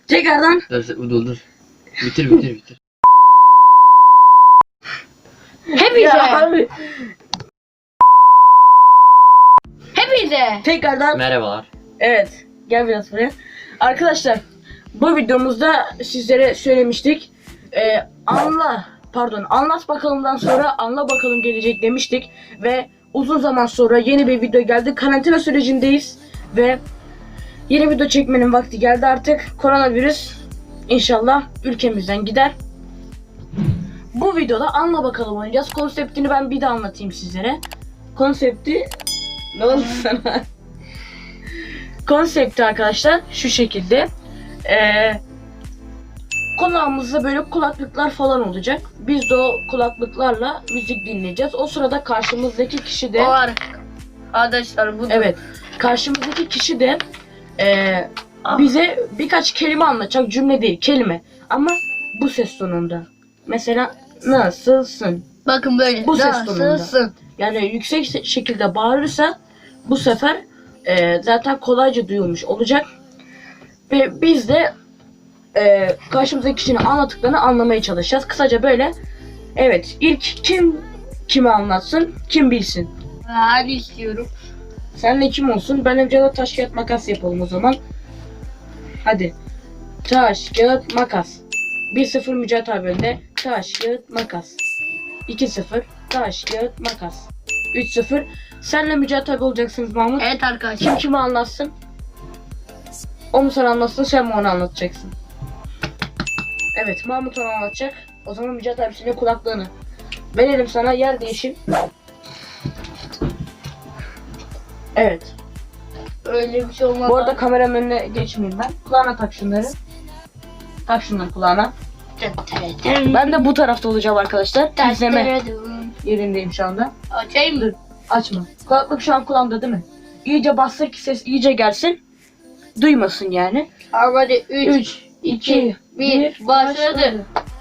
Tekrardan. Dur. Bitir. Hepinize. Hepinize. Tekrardan. Merhabalar. Evet. Gel biraz buraya. Arkadaşlar bu videomuzda sizlere söylemiştik. Anlat bakalımdan sonra anla bakalım gelecek demiştik. Ve uzun zaman sonra yeni bir video geldi. Karantina sürecindeyiz. Ve yeni video çekmenin vakti geldi artık. Koronavirüs inşallah ülkemizden gider. Bu videoda anla bakalım oynayacağız. Konseptini ben bir daha anlatayım sizlere. Konsepti... Ne oldu sana? Konsepti arkadaşlar şu şekilde. Kulağımızda böyle kulaklıklar falan olacak. Biz de o kulaklıklarla müzik dinleyeceğiz. O sırada karşımızdaki kişi de... O arkadaşlar bu. Evet. Karşımızdaki kişi de bize birkaç kelime anlatacak. Cümle değil, kelime. Ama bu ses tonunda. Mesela nasılsın? Bakın böyle. Bu ses tonunda. Nasılsın? Yani yüksek şekilde bağırırsa bu sefer zaten kolayca duyulmuş olacak. Ve biz de karşımızdaki kişinin anlattıklarını anlamaya çalışacağız. Kısaca böyle. Evet, ilk kim kime anlatsın, kim bilsin. Hadi istiyorum. Senle kim olsun? Ben önce de taş kağıt makas yapalım o zaman. Hadi. Taş kağıt makas. 1-0 Mücahit abi önde. Taş kağıt makas. 2-0 taş kağıt makas. 3-0 senle Mücahit abi olacaksınız Mahmut. Evet arkadaşlar. Kim kime anlatsın? O mu sana anlatsın, sen mi onu anlatacaksın? Evet, Mahmut onu anlatacak. O zaman Mücahit abi senin kulaklığını verelim sana, yer değişim. Evet. Öyle bir şey olmaz. Bu arada kameranın önüne geçmeyeyim ben. Kulağına tak şunları. Tak şunları kulağına. Ben de bu tarafta olacağım arkadaşlar. İzleme yerindeyim şu anda. Açayım mı? Açma. Kulaklık şu an kulağımda değil mi? İyice bastır ki ses iyice gelsin. Duymasın yani. Hadi 3, 3, 2, 1 başladı.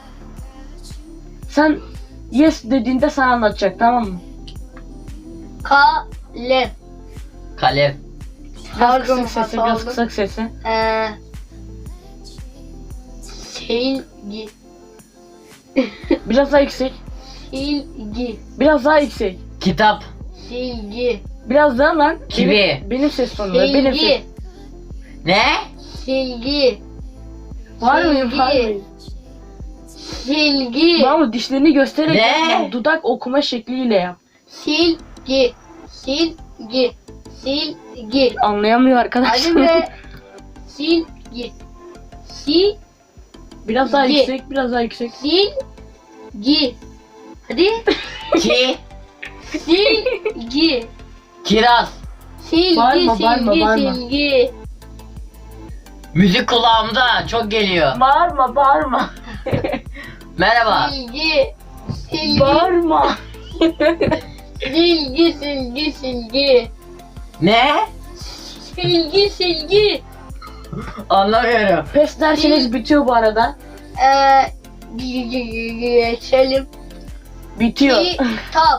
Sen yes dediğinde sana anlatacak, tamam mı? Kalem. Kalem. Biraz Pardon, kısık sesi, hata biraz oldu. kısık sesi. Silgi. Biraz daha yüksek. Silgi. Biraz daha yüksek. Kitap. Silgi. Biraz daha lan. Kivi. Benim ses tonunda. Benim ses. Silgi. Ne? Silgi. Var mıyım? Silgi. Var mıyım? Silgi. Mahmut dişlerini göstererek Ne? yapma, dudak okuma şekliyle yap. Silgi. Silgi. Silgi. Anlayamıyor Hadi arkadaşlar. be. Silgi. Silgi. Biraz daha Silgi. yüksek, biraz daha yüksek. Silgi. Hadi. Ki. Silgi. Kiraz. Silgi. Bağırma, bağırma, Silgi. bağırma. Silgi. Müzik kulağımda çok geliyor. Bağırma, bağırma. Merhaba. Silgi. Silgi. Bağırma. Silgi. Silgi. Silgi. Ne? Silgi. Silgi. Anlamıyorum. Pes derseniz bitiyor bu arada. Geçelim. Bitiyor. Kitap.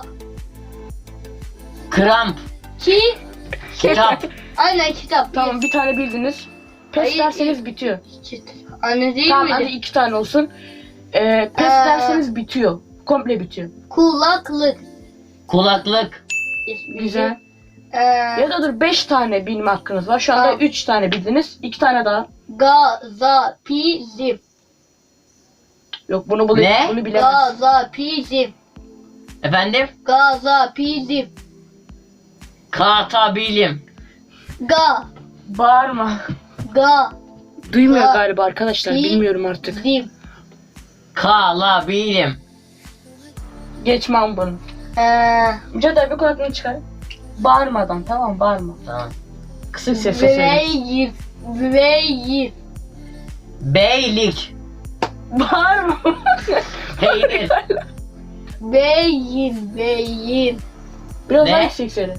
Kramp. Ki. Kitap. Aynen kitap. Tamam, bir tane bildiniz. Pes Hayır, derseniz bitiyor. Anne değil Tamam, miydi? hadi 2 tane olsun. Pes derseniz bitiyor. Komple bitiyor. Kulaklık. Kulaklık. Güzel. Ya da dur, 5 tane bilme hakkınız var. Şu anda Tamam. 3 tane bildiniz. 2 tane daha. Gazapizm. Yok, bunu Ne? bunu bilemez. Gazapizm. Efendim? Gazapizm. Katabilim. Bağırma. Ga. Duymuyor Ga- galiba arkadaşlar. Pi- Bilmiyorum artık. Zim. Kalabilim. Geçmem bunu. Mücadele abi kulaklığını çıkar. Bağırmadan, tamam mı? Bağırma. Tamam. Kısık sesle söyle. Veyir. Veyir. Beylik. Bağırma. Peynir. Beyin. Beyin. Biraz Ne? daha yüksek söyle.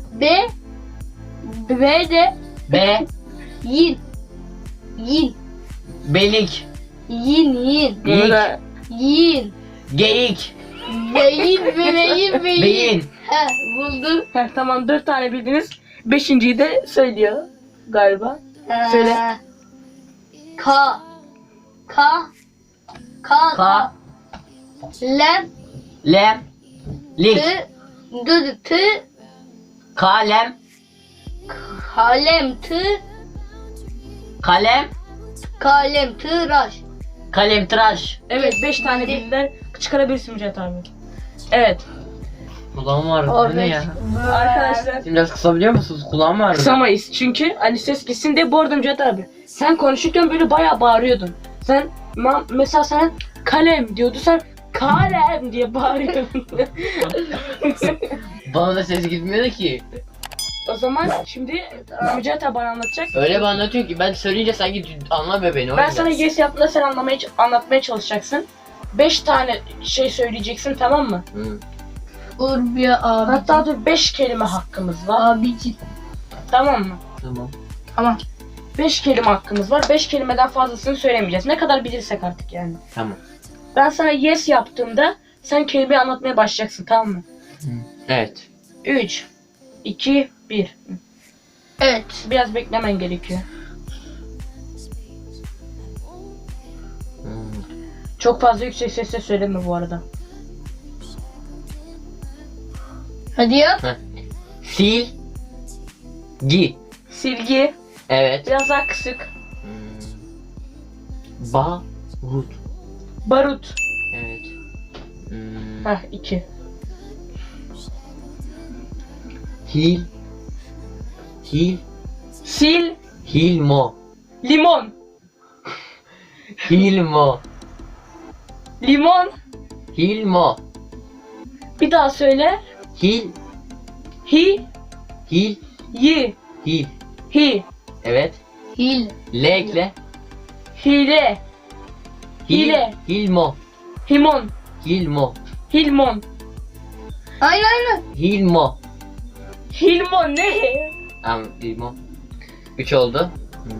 Be de Be. yin. Yin. Belik. Yin. Bunu Geyik. da Yin. Geyik. Beyin. Beyin. Beyin. He, buldum. tamam, 4 tane bildiniz. 5.'yi de söylüyor galiba. Söyle. Ka. Ka. Ka. Ka. Lem. Lem. Lik. Tı. Dı. Tı. Kalem. Kalem. Tı. Kalem. Kalem. Tıraş. Kalem tıraş. Evet 5 tane bildiler. Çıkarabilirsin Mücahit abi. Evet. Kulağım var. Bu ne ya? Arkadaşlar Şimdi biraz kısabiliyor musunuz? Kulağım var. kısamayız çünkü hani ses gitsin diye. Bu arada Mücahit abi sen konuşurken böyle bayağı bağırıyordun. Sen mesela sen kalem diyordu, sen kalem diye bağırıyordun. Bana da ses gitmiyor ki. O zaman şimdi Mücahit abi bana anlatacak. Öyle bir anlatıyor ki ben söyleyince sanki anlamıyor beni. Ben sana yes yaptığında sen anlatmaya çalışacaksın. 5 tane şey söyleyeceksin, tamam mı? Hı. Urbiye abi. Hatta dur 5 kelime hakkımız var. Abici. Tamam mı? Tamam. Tamam. 5 kelime hakkımız var. 5 kelimeden fazlasını söylemeyeceğiz. Ne kadar bilirsek artık yani. Tamam. Ben sana yes yaptığımda sen kelimeyi anlatmaya başlayacaksın, tamam mı? Evet. 3, 2, 1. Evet. Biraz beklemen gerekiyor. Çok fazla yüksek sesle söyleme bu arada. Hadi yap. Sil. Gi. Silgi. Evet. Biraz daha kısık. Barut. Barut. Evet. Heh 2. Hil. Sil. Hilmo. Limon. Hilmo. Limon. Hilmo. Bir daha söyle. Hil. Hi. Hil. Yi. Hil. Hi. Evet. Hil. L ekle. Hile. Hil. Hile. Hilmo. Himon. Hilmo. Hilmon. Aynen. Hilmo. Hilmon ne? Tamam. Hilmo. 3 oldu.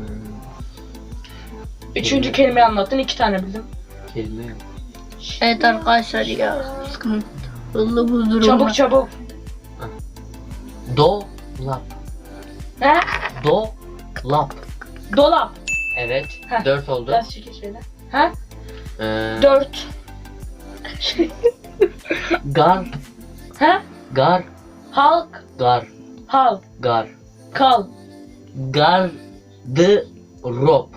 Üçüncü kelimeyi anlattın. 2 tane bildim. Kelime yok. Evet arkadaşlar ya. Sıkıntı. Hızlı bu durumda. Çabuk çabuk. Dolap. He? Dolap. Dolap. Evet. Heh. 4 oldu. Biraz çekil şöyle. He? Ee, 4. Gar. He? Gar. Halk. Gar. Hal. Gar. Kal. Gardırop.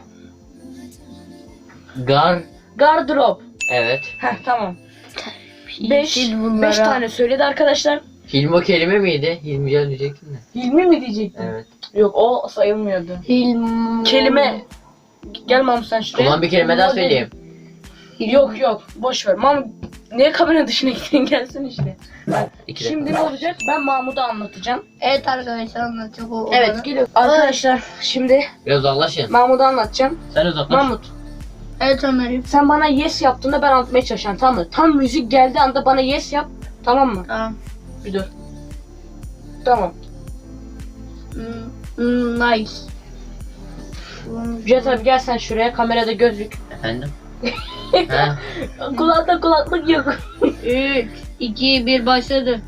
Gardırop. Evet. Heh tamam. Yeşil 5 bunlara. tane söyledi arkadaşlar. Hilmo kelime miydi? Hilmican diyecektim de. Hilmi mi diyecektin? Evet. Yok o sayılmıyordu. Hilm. Kelime. Gel Mahmut sen O şuraya. zaman bir kelime daha söyleyeyim. Yok boş ver. Mahmut niye kamera dışına gittin, gelsin işte. İki de. Şimdi ne olacak? Ben Mahmut'a anlatacağım. Evet arkadaşlar anlatacak o. Evet bana. geliyor. Arkadaşlar şimdi Biraz uzaklaşın. Mahmut'a anlatacağım. Sen uzaklaş. Mahmut Evet Ömer'im. sen bana yes yaptığında ben anlatmaya çalışacağım, tamam mı? Tam müzik geldiği anda bana yes yap, tamam mı? Tamam. Bir dur. Tamam. Nice. Cüret abi gel sen şuraya, kamerada gözlük. Efendim? ha? Kulakta kulaklık yok. 3, 2, 1 başladı.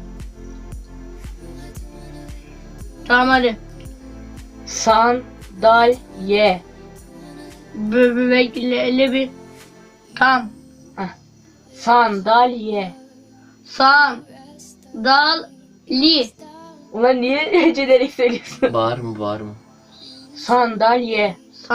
Tamam hadi. Sandalye. Bekle bir. Tamam. Sandalye. Sandalye. Ulan niye hecelerek söylüyorsun? Bağır mı? Sandalye.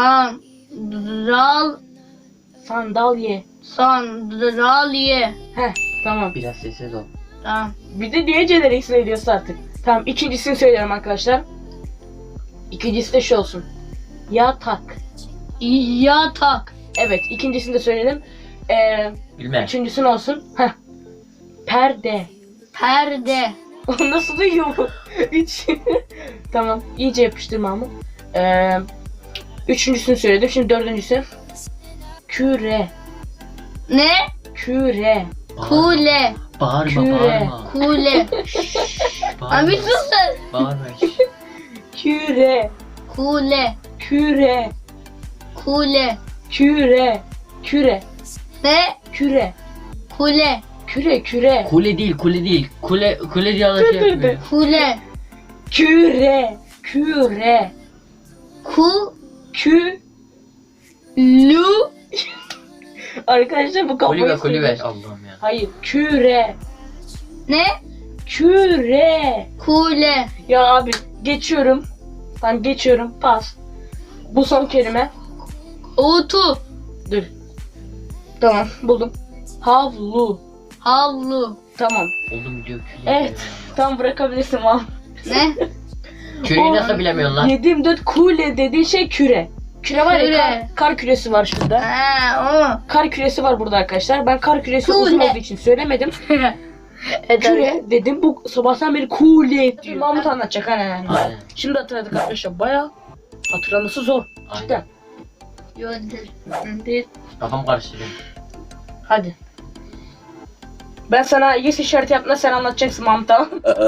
Sandalye. Sandalye. Heh tamam. Biraz sessiz ol. Tamam. Bir de niye hecelerek söylüyorsun artık? Tamam ikincisini söylüyorum arkadaşlar. İkincisi de şu olsun. Yatak. Yatak. Evet ikincisini de söyledim. Bilmem. Üçüncüsü ne olsun? Heh. Perde. Perde. O nasıl duyuyor bu? Üç. Tamam. iyice yapıştır Mahmut. Üçüncüsünü söyledim. Şimdi dördüncüsü. Küre. Ne? Küre. Kule. Bağırma. Küre. Kule. Abi sus sen. Bağırma. Küre. Kule. Küre. Kule. Küre. Küre. Ne? Küre. Kule. Küre. Küre. Kule değil. Kule diye şey yapmıyor. Kule. Küre. Küre. Ku. Kü. Lu. Arkadaşlar bu kafayı Kulübe sıyırıyor. kulübe. Allah'ım ya. Hayır, küre. Ne? Küre. Kule. Ya abi geçiyorum. Ben geçiyorum. Pas. Bu son kelime. Utu. Dur. Tamam buldum. Havlu. Havlu. Tamam. Oğlum diyor küle. Evet. Tam bırakabilirsin abi. Ne? Küreyi nasıl bilemiyorsun lan? 7/24 kule dediği şey küre. Küre var ya Küre. kar küresi var şurada. Ha Kar küresi var burada arkadaşlar. Ben kar küresi Kule. uzun olduğu için söylemedim. o. Küre dedim. Bu sabahtan beri kule diyor. Mahmut anlatacak hani. Aynen. Şimdi hatırladık arkadaşlar. Bayağı hatırlaması zor. Cidden. Yöndür. Yöndür. Kafam karıştırıyor. Hadi. Ben sana yes işareti yaptığında sen anlatacaksın Mahmut, tamam.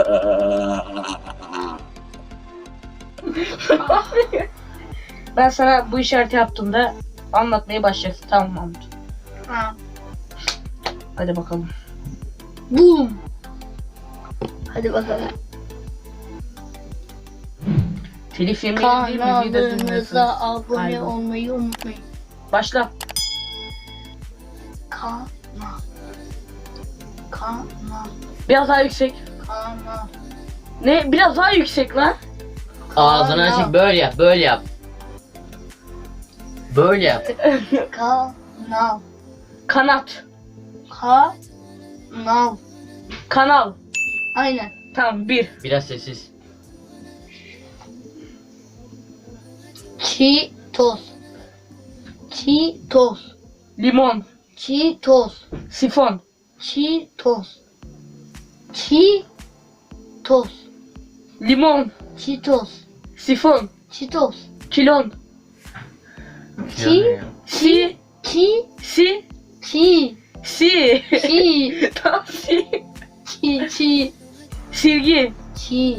Ben sana bu işareti yaptığımda anlatmaya başlayacaksın, tamam Mahmut. Ha. Hadi bakalım. Boom. Hadi bakalım. Telif yemeyelim değil mi? Videoda Kanalımıza dinliyorsunuz. abone Galiba. olmayı unutmayın. Başla. Kanal. Kanal. Biraz daha yüksek. Kanal. Ne? Biraz daha yüksek lan. Ağzını açık böyle yap, böyle yap. Böyle yap. Kanal. Kanat. Kanal. Kanal. Aynen. Tamam, bir. Biraz sessiz. Cheetos. Cheetos. Limon. Cheetos. Sifon. Cheetos. Cheetos. Limon. Cheetos. Sifon. Cheetos. Kilon. Ki. Si. Ki. Si. Ki. Si. Ki. Tamam, si. Ki. Ki. Silgi. Ki.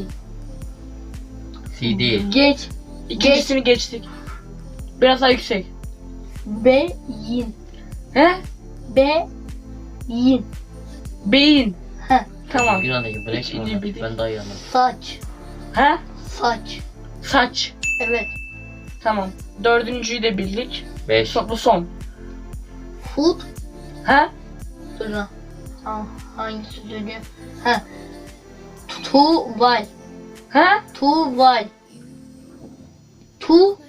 CD. Geç. İkincisini geçtik. Biraz daha yüksek. Beyin. He? Beyin. Beyin. Heh. Tamam. Yunan'daki bırak İkinci bana. bildik. Ben daha iyi anladım. Saç. He? Saç. Saç. Evet. Tamam. Dördüncüyü de bildik. 5. Bu son. Food. He? Dur lan. Ha, hangisi söylüyor? Ha. Tuval. He? Tuval. Tu.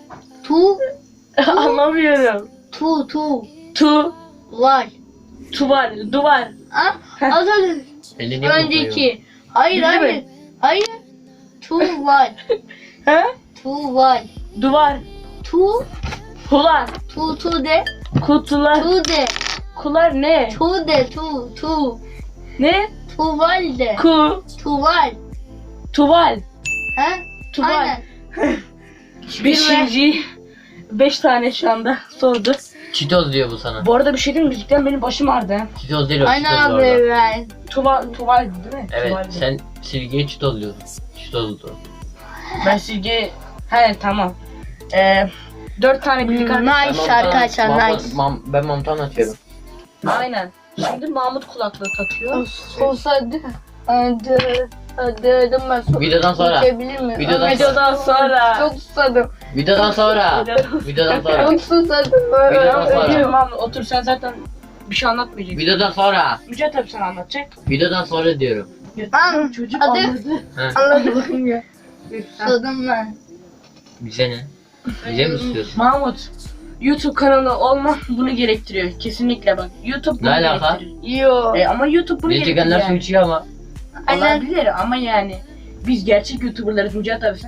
Anlamıyorum. Tu. Tu. Val. Tuval. Duvar. Ha? Az önce. Elini niye kokluyor? Önceki. Hayır Bildi hayır. mi? Hayır. Tuval. He? Tuval. Duvar. Tu. Kular. Tu de. Kutular. Tu de. Kular ne? Tu de. Tu. Ne? Tuval de. Ku. Tuval. Tuval. Ha? Tuval. Aynen. Beşinci. 5 tane şu anda sordu. Çitoz diyor bu sana. Bu arada bir şey diyeyim mi? Müzikten benim başım ağrıdı. He. Çitoz değil o, Aynen çitoz abi orada. ben. Tuval değil mi? Evet, Tuvaldi. sen silgiye çitoz diyordun. Çitozdu. Ben silgi... He tamam. 4 tane bildik arkadaşlar. Nice arkadaşlar nice. Ben Mamut'u anlatıyorum. Aynen. Şimdi Mahmut kulaklığı takıyor. Olsaydı. Hadi ben Videodan sonra. İçebilir miyim? Videodan Videodan sonra. Çok susadım. Videodan sonra. Videodan sonra. Çok susadım. Videodan sonra. Ödüyorum Mahmut. Otur, sen zaten bir şey anlatmayacaksın. Videodan sonra. Mücahit abi sana anlatacak. Videodan sonra diyorum. Lan Çocuk hadi. anladı. He. Anladım ya. Susadım ben. Bize ne? Bize mi istiyorsun? Mahmut. YouTube kanalı olma bunu gerektiriyor. Kesinlikle bak. YouTube bunu Ne alaka? gerektiriyor. Yo. Ama YouTube bunu Ne gerektiriyor çekenler su yani. içiyor ama. Aynen. Olabilir ama yani. Biz gerçek YouTuber'larız Mücahit abi sen.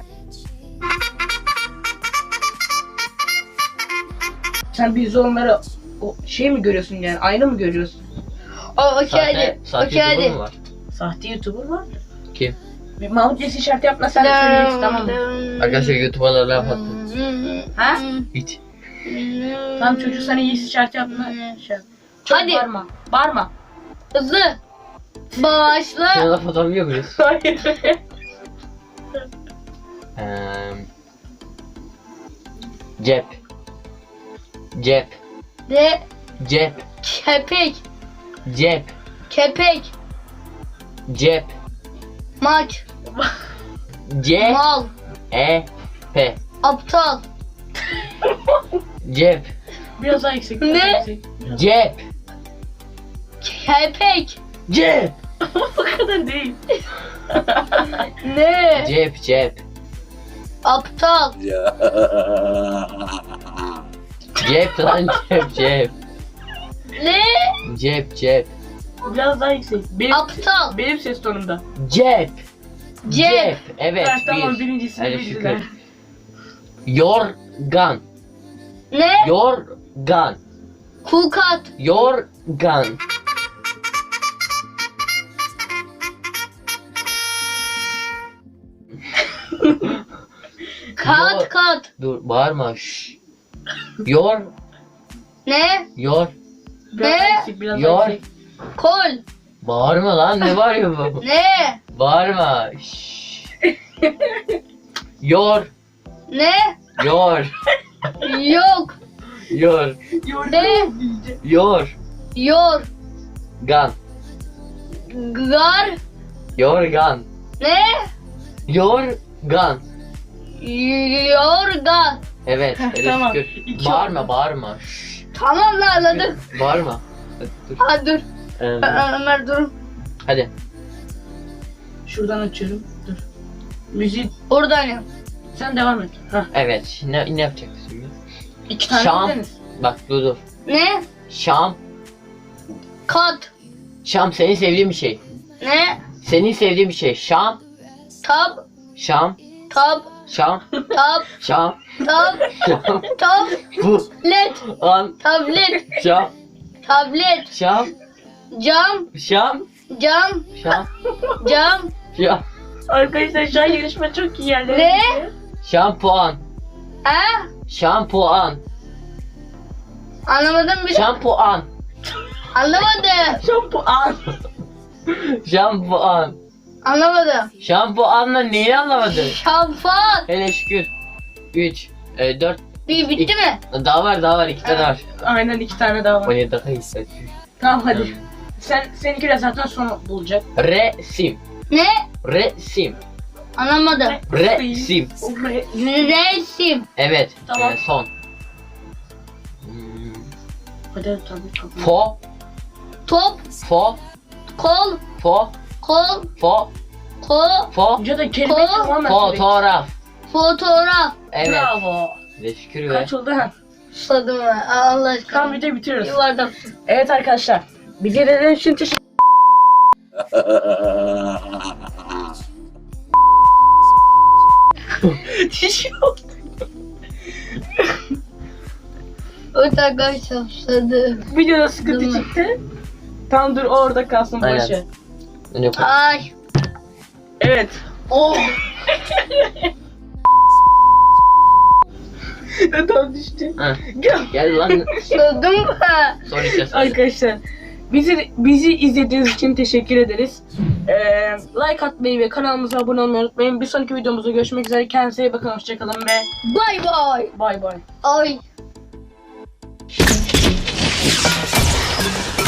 Sen biz onları o şey mi görüyorsun yani? Aynı mı görüyorsun? Okey hadi. Sahte Okey YouTuber hadi. mu var? Sahte YouTuber var. Kim? Bir Mahmut Yesi şart yapma sen de söyleyeceksin, tamam mı? Arkadaşlar YouTuber'lara laf attı. Ha? Hiç. Tamam, çocuk sana Yesi şart yapma. Şey yap. Çok Hadi. bağırma. Bağırma. Hızlı. Başla. Sana laf atamıyor muyuz? Hayır. Cep. Cep. De Cep. kepek. Cep. Kepek. Cep. Maç. C. Mal. E. P. Aptal. Cep. Biraz daha yüksek. Biraz Ne? daha yüksek. Cep. Kepek. Cep. O kadar değil. Ne? Cep cep. Aptal. Cep lan cep cep. Ne? Cep cep. Biraz daha yüksek. Aptal. Benim ses tonumda. Cep. Cep. Evet Ha, tamam bir. birincisini Hadi bildiler. şükür. Yorgan. Ne? Yorgan. Kukat. Yorgan. Kat kat. Dur bağırma. Şşş. Yor. Ne? Yor. Biraz Ne? daha yüksek. Biraz Yor. daha yüksek. Kol. Bağırma lan ne bağırıyor bu? Ne? Bağırma. Şşş. Yor. Ne? Yor. Yok. Yor. Ne? Yor. Yor. Gan. Gar. Yorgan. Ne? Yorgan. Yorgan. Evet. Heh, Hadi tamam. şükür. İki Bağırma oldu. bağırma. Şşş. Tamam lan anladık. Bağırma. Hadi dur. Ha dur. Ömer dur. Hadi. Şuradan açıyorum. Dur. Müzik. Oradan yap. Sen devam et. Hah. Evet. Ne yapacaksın şimdi? 2 tane Şam. bildiniz. Bak dur. Ne? Şam. Kat. Şam senin sevdiğin bir şey. Ne? Senin sevdiğin bir şey. Şam. Tab. Şam. Tab. Şam. Tab. Şam. Tab. Şam. Tab. Bu. Led. An. Tablet. Şam. Tablet. Şam. Cam. Şam. Cam. Şam. Cam. Şam. Arkadaşlar şu an yarışma çok iyi yerlere Ne? gidiyor. Şampuan. Ha? Şampuan. Anlamadım bir. Şampuan. Anlamadım. Şampuan. Şampuan. Anlamadım. Şampuanla neyi anlamadın? Şampuan. Hele şükür. 3, 4, Bir bitti mi? daha var 2 tane var. Aynen 2 tane daha var. 17 daha iyi. Tamam hadi. Seninki de zaten son bulacak. Resim. Ne? Resim. Anlamadım. Resim. Resim. Evet. Tamam. Son. Hadi tabii. Fo. Top. Fo. Kol. Fo. Kol. Fo. Kol. Fo. Önce de kelimeyi Ko- tamamen söyle. Fotoğraf. Fotoğraf. Evet. Bravo. Hele şükür be. Kaç oldu ha? Susadım ben. Allah aşkına. Tamam videoyu bitiriyoruz. Yuvardak. Evet arkadaşlar. Bizi izlediğiniz için teşekkür Evet arkadaşlar susadım. Videoda sıkıntı Değil mi? çıktı. Tamam dur orada kalsın Aynen. başı. Ne koy- Ay. Evet. Oh. Tamam düştü. Ha, Gel. Gel lan. Susadım ben. Son iki söyle. Arkadaşlar bizi izlediğiniz için teşekkür ederiz. Like atmayı ve kanalımıza abone olmayı unutmayın. Bir sonraki videomuzda görüşmek üzere. Kendinize iyi bakın. Hoşçakalın ve Bay bay. bay bay. Ay.